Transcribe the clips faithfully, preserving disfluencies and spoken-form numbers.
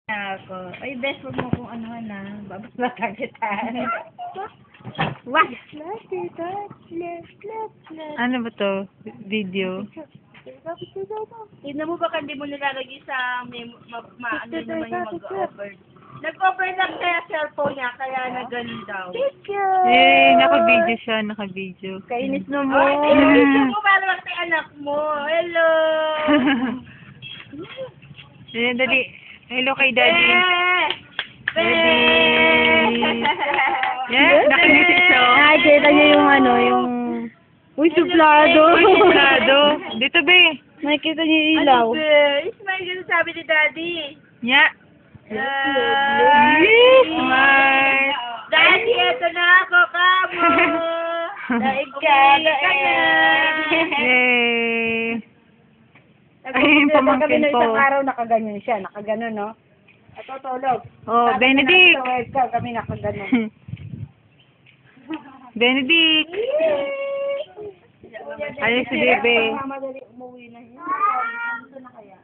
Ako. Ay, best, wag mo kung ano na. Babaslatan kita. Wah! Ano ba to? Video? Tignan mo baka hindi mo nilalagay sa may ma, ma, ano naman yung mag-over. Nag-over lang kaya cellphone niya, kaya nag-ganon daw. Eh, naka-video siya, naka-video. Kainis na mo. Ay, kainis mo para lang kay anak mo. Hello! Eh, dali. Hello kay Daddy. Eh! Daddy. Yeah, nakangiti siya. Nakikita niyo yung ano, yung... Uy, suplado! Uy, suplado. Dito, be. Nakikita niyo yung ilaw. Ano ba? Ismail, ganun sabi ni Daddy. Yeah. Ah, Smart. Daddy, eto na ako, kamo. Daig ka, daig na. Yay. Ay, yung pamangkin Kami na ko. isang araw nakaganyan siya, nakaganon, no? Ito, tulog. Oh, Sabi Benedict. na natin sa kami nakaganon. Benedict. Ayun si Bebe. Madali umuwi na yun. Gusto na kaya?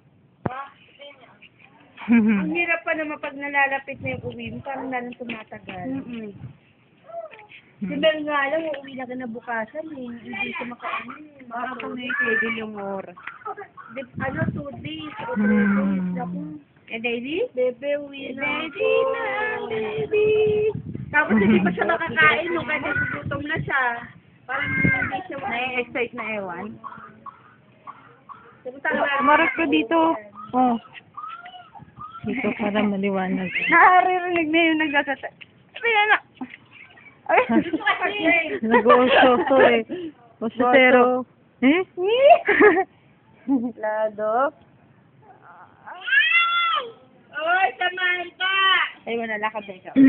Ang hirap pa naman pag nalalapit na yung uwi mo, parang nalang tumatagal. Mm-mm. Si Mel nga lang, uuwi na kinabukasan eh. Hindi siya makaano eh. Parang kung na-schedule yung oras. Di, ano, two days o three days. Naku. Eh, Daisy? Bebe, uwi na. Baby na, baby. Tapos hindi pa siya makakain nung kaya gutom na siya. Parang hindi siya Na-excite na ewan. Marap ko dito. Oh. Dito para maliwanag. Naririnig na yung nagdasata. Sabi na na. Ay, Nag-uusoso eh. Usosero. Eh? Lado. Oy, samahan ka! Ay, wala lakad na ikaw.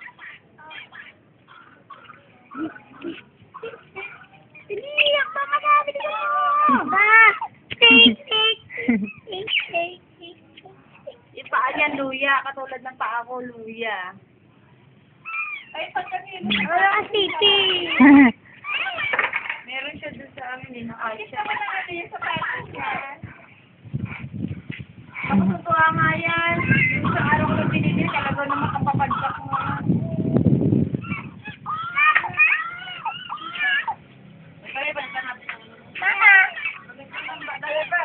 Piniyak pa magamit ko! Ba! Take, take! Take, take, take. Yung paa niya, luya. Katulad ng paa ko, luya. Ay, pagkakin. Wala ka, titi! Meron siya dun sa amin eh, nakalit siya. Bakit naman yung sapatos niya? Ako totoo nga yan. Yung sa araw ko binili, talaga naman kapapadyak mo. Balik, balik ka natin. Mama! Balik ba?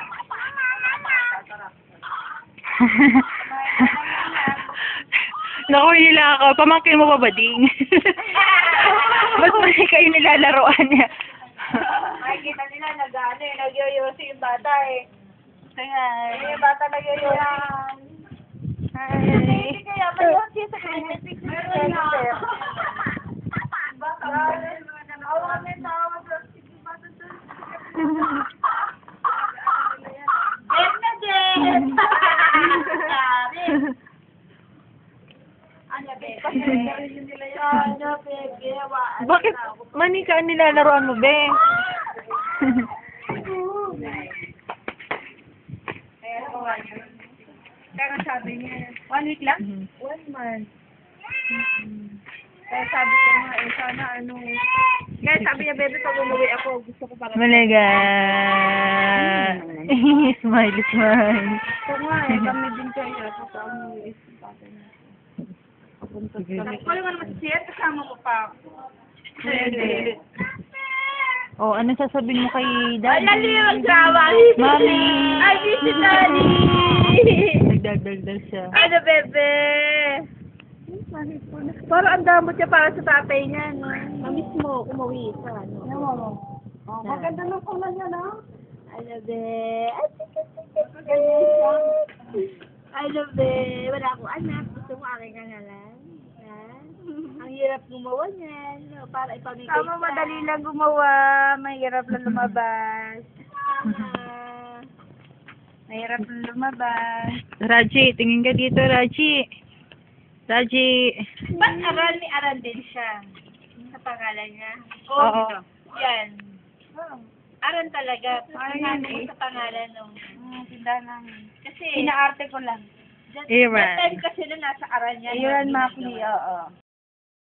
Naku, nila ako. Pamangkin mo pa ba, Ding? Ba't ba kayo nilalaroan niya? Makikita nila, nag-ano eh, nagyoyosi yung bata eh. Kaya, eh, yung bata nagyoyosi. Hi. Hindi kaya, mayosi sa kinetic. Meron na. Baka, awa na tawag. Sige, bata to. Jet na, Jet! Sabi. Ano, Bebe? Ano, Bebe? Bakit manika ang nilalaroan mo, be? Kaya sabi niya, one week lang? Mhm. One month. Kaya sabi ko nga, eh, sana ano, kaya sabi niya, bebe, pag umuwi ako, gusto ko para... Malaga. Smile, smile. Ito nga eh, kami din kaya, pag umuwi, bata niya. Papunta Sige. kami. Wala nga naman siya, kasama ko pa. Hindi. Oh, ano sasabihin mo kay Ay, Daddy? lali yung asawa. Mami. Ay, si Daddy. Nagdagdagdag siya. Ano, bebe? Parang ang damot niya para sa tatay niya, no? Namiss mo, umuwi sa ano. Ano mo? Oh, maganda ng kulay niya, no? Ano, be? Ay, ganyan siya. Ano, be? Wala akong anak. Gusto mo aking kangalan? Ha? Ang hirap gumawa niyan. No? Para ipamigay ka. Tama, madali lang gumawa. Mahirap lang lumabas. Tama. Mahirap lang lumabas. Raji, tingin ka dito, Raji. Raji. Ba't aral ni Aral din siya? Sa pangalan niya? Oo. Yan. Aral talaga. Ay, Ano yun eh. sa pangalan nung... Hmm, tindahan namin. Kasi... Inaarte ko lang. That, Iran. that time kasi na nasa aral niya. Ayun, Makli, oo.